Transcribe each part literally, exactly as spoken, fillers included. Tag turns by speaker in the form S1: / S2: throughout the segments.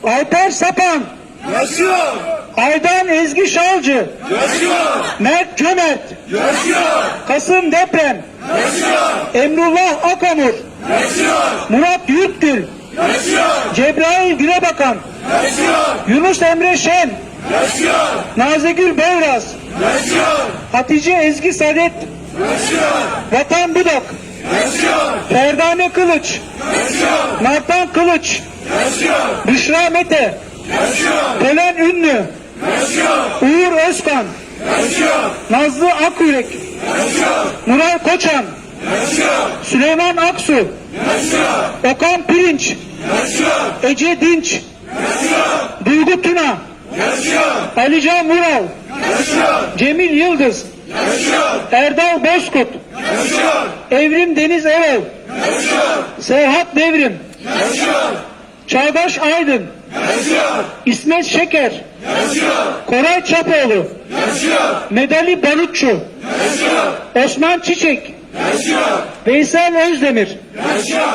S1: Alper Sapan,
S2: Yaşıyor!
S1: Aydan Ezgi Şalcı,
S2: Yaşıyor!
S1: Mert Cömert,
S2: Yaşıyor!
S1: Kasım Deprem,
S2: Yaşıyor!
S1: Emrullah Akamur,
S2: Yaşıyor!
S1: Murat Yurtgül,
S2: Yaşıyor!
S1: Cebrail Gülebakan,
S2: Yaşıyor!
S1: Yunus Emre Şen,
S2: Yaşıyor!
S1: Nazigül Beyraz,
S2: Yaşıyor!
S1: Hatice Ezgi Sadet,
S2: Yaşıyor!
S1: Vatan Budak,
S2: Yaşıyor!
S1: Ferdane Kılıç,
S2: Yaşıyor!
S1: Nartan Kılıç,
S2: Yaşıyor!
S1: Büşra Mete,
S2: Yaşıyor!
S1: Polen Ünlü,
S2: Yaşıyor!
S1: Uğur Özkan,
S2: Yaşıyor!
S1: Nazlı Akyürek,
S2: Yaşıyor!
S1: Nuray Koçan,
S2: Yaşıyor!
S1: Süleyman Aksu,
S2: Yaşıyor!
S1: Okan Pirinç,
S2: Yaşıyor!
S1: Ece Dinç,
S2: Yaşıyor!
S1: Duygu Tuna,
S2: Yaşıyor!
S1: Alican Vural,
S2: Yaşıyor!
S1: Cemil Yıldız,
S2: Yaşıyor!
S1: Erdal Bozkurt,
S2: Yaşıyor!
S1: Evrim Deniz Erol,
S2: Yaşıyor!
S1: Serhat Devrim,
S2: Yaşıyor!
S1: Çağdaş Aydın,
S2: Yaşıyor!
S1: İsmet Şeker,
S2: Yaşıyor!
S1: Koray Çapoğlu,
S2: Yaşıyor!
S1: Medali Barutçu,
S2: Yaşıyor!
S1: Osman Çiçek,
S2: Yaşıyor!
S1: Veysel Özdemir,
S2: Yaşıyor!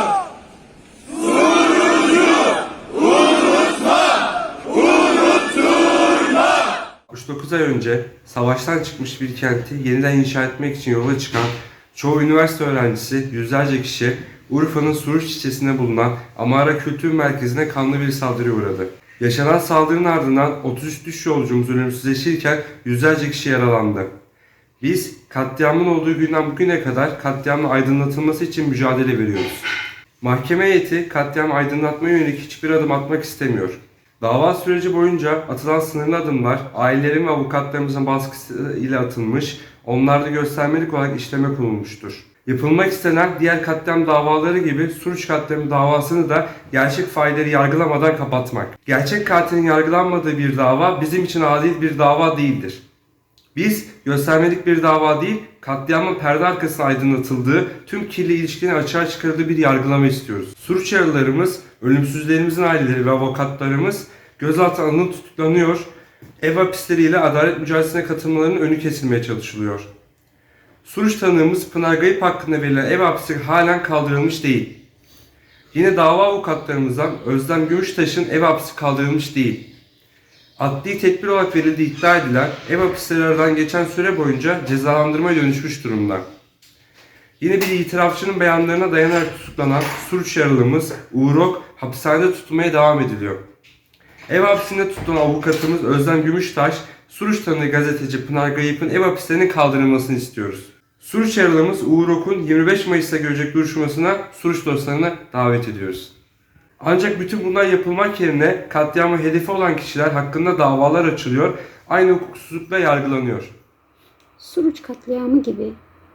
S3: altmış dokuz ay önce savaştan çıkmış bir kenti yeniden inşa etmek için yola çıkan çoğu üniversite öğrencisi, yüzlerce kişi Urfa'nın Suruç ilçesinde bulunan Amara Kültür Merkezi'ne kanlı bir saldırıya uğradı. Yaşanan saldırının ardından otuz üç düş yolcumuz ölümsüzleşirken yüzlerce kişi yaralandı. Biz katliamın olduğu günden bugüne kadar katliamın aydınlatılması için mücadele veriyoruz. Mahkeme heyeti katliamı aydınlatmaya yönelik hiçbir adım atmak istemiyor. Dava süreci boyunca atılan sınırlı adımlar ailelerin ve avukatlarımızın baskısıyla atılmış, onlarda göstermelik olarak işleme konulmuştur. Yapılmak istenen diğer katliam davaları gibi Suruç katliamı davasını da gerçek failleri yargılamadan kapatmak. Gerçek katilin yargılanmadığı bir dava bizim için adil bir dava değildir. Biz göstermelik bir dava değil, katliamın perde arkasına aydınlatıldığı, tüm kirli ilişkilerin açığa çıkarıldığı bir yargılama istiyoruz. Suruç yaralılarımız, ölümsüzlerimizin aileleri ve avukatlarımız gözaltına alınıp tutuklanıyor, ev hapisleriyle adalet mücadelesine katılmalarının önü kesilmeye çalışılıyor. Suruç tanığımız Pınar Gayip hakkında verilen ev hapsi halen kaldırılmış değil. Yine dava avukatlarımızdan Özlem Gümüştaş'ın ev hapsi kaldırılmış değil. Adli tedbir olarak verildiği iddia edilen ev hapisleri aradan geçen süre boyunca cezalandırmaya dönüşmüş durumda. Yine bir itirafçının beyanlarına dayanarak tutuklanan Suruç yaralımız Uğur Ok hapishanede tutulmaya devam ediliyor. Ev hapsinde tutulan avukatımız Özlem Gümüştaş, Suruç tanığı gazeteci Pınar Gayip'in ev hapislerinin kaldırılmasını istiyoruz. Suruç yaralımız Uğur Ok'un yirmi beş Mayıs'ta görecek duruşmasına Suruç dostlarını davet ediyoruz. Ancak bütün bunlar yapılmak yerine katliamı hedefi olan kişiler hakkında davalar açılıyor, aynı hukuksuzlukla yargılanıyor.
S4: Suruç katliamı gibi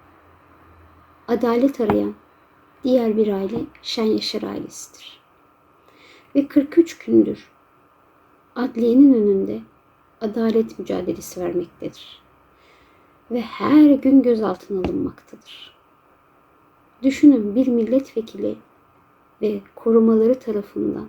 S4: adalet arayan diğer bir aile Şen Yaşar ailesidir. Ve kırk üç gündür adliyenin önünde adalet mücadelesi vermektedir. Ve her gün gözaltına alınmaktadır. Düşünün, bir milletvekili ve korumaları tarafından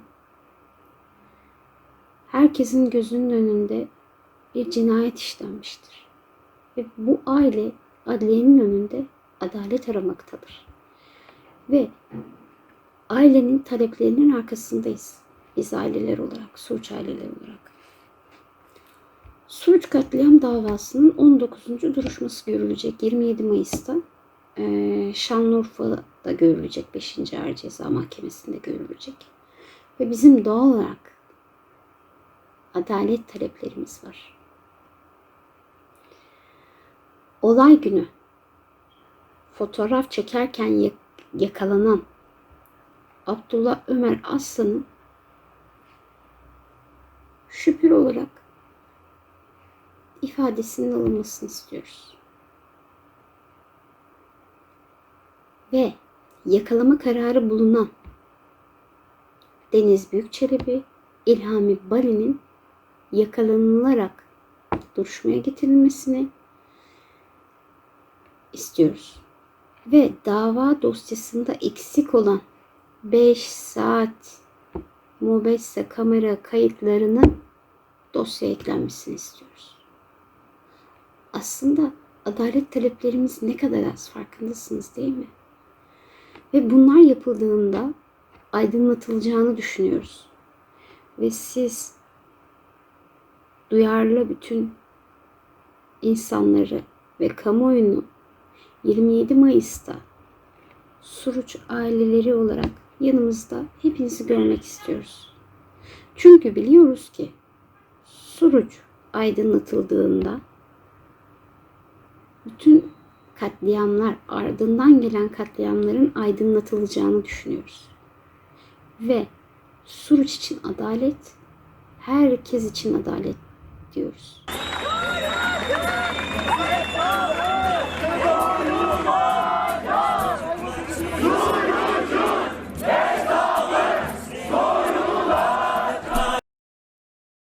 S4: herkesin gözünün önünde bir cinayet işlenmiştir. Ve bu aile adliyenin önünde adalet aramaktadır. Ve ailenin taleplerinin arkasındayız. Biz aileler olarak, Suruç aileleri olarak. Suruç katliam davasının on dokuzuncu duruşması görülecek yirmi yedi Mayıs'ta. Ee, Şanlıurfa'da görülecek, beşinci Ağır Ceza Mahkemesi'nde görülecek. Ve bizim doğal olarak adalet taleplerimiz var. Olay günü fotoğraf çekerken yakalanan Abdullah Ömer Aslan'ın şüpheli olarak ifadesinin alınmasını istiyoruz. Ve yakalama kararı bulunan Deniz Büyükçelebi, İlhami Bali'nin yakalanılarak duruşmaya getirilmesini istiyoruz. Ve dava dosyasında eksik olan beş saat mobese kamera kayıtlarının dosyaya eklenmesini istiyoruz. Aslında adalet taleplerimiz ne kadar az, farkındasınız değil mi? Ve bunlar yapıldığında aydınlatılacağını düşünüyoruz. ve siz duyarlı bütün insanları ve kamuoyunu yirmi yedi Mayıs'ta Suruç aileleri olarak yanımızda hepinizi görmek istiyoruz. Çünkü biliyoruz ki Suruç aydınlatıldığında bütün katliamlar, ardından gelen katliamların aydınlatılacağını düşünüyoruz. Ve Suruç için adalet, herkes için adalet diyoruz.